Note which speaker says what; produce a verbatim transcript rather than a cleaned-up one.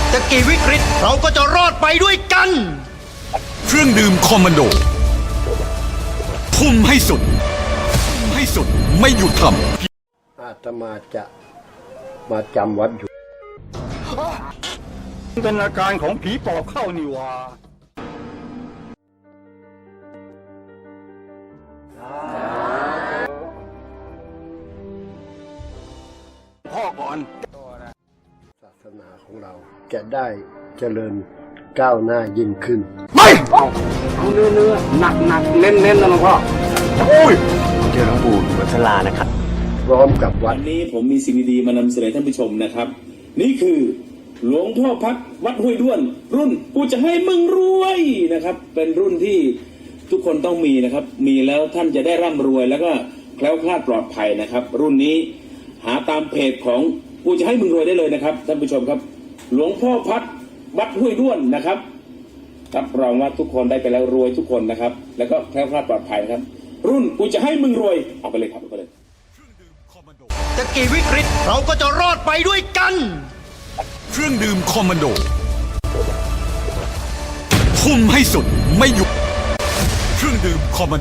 Speaker 1: จะกี่วิกฤตเราก็จะรอดไปด้วยกัน
Speaker 2: เครื่องดื่มคอมมานโดทุ่มให้สุดทุ่มให้สุดไม่หยุดทำ
Speaker 3: อาตมาจะมาจำวัดอยู่
Speaker 4: เป็นอาการของผีปอบเข้านี่วะพ่อก่อน
Speaker 3: ศาสนาของเราจะได้เจริญก้าวหน้ายิ่งขึ้น
Speaker 4: ไม่เอาเอาเนื้อเนื้อหนักหนักเน้นเน้นนะหลวงพ่อโอ้ย
Speaker 5: เจอหลวงปู่วัชรานะครับ
Speaker 3: พร้อมกับวัด
Speaker 6: วันนี้ผมมีสิ่งดีๆมานำเสนอท่านผู้ชมนะครับนี่คือหลวงพ่อพัดวัดห้วยด้วนรุ่นกูจะให้มึงรวยนะครับเป็นรุ่นที่ทุกคนต้องมีนะครับมีแล้วท่านจะได้ร่ำรวยแล้วก็แคล้วคลาดปลอดภัยนะครับรุ่นนี้หาตามเพจของกูจะให้มึงรวยได้เลยนะครับท่านผู้ชมครับหลวงพ่อพัดวัดห้วยด้วนนะครับรับรองว่าทุกคนได้ไปแล้วรวยทุกคนนะครับแล้วก็แคล้วคลาดปลอดภัยนะครับรุ่นกูจะให้มึงรวยเอาไปเลยครับเอาไปเลย
Speaker 1: จะกี่วิกฤตเราก็จะรอดไปด้วยกัน
Speaker 2: เครื่องดื่มคอมมานโดทุ่มให้สุดไม่หยุดเครื่องดื่มคอมมานโด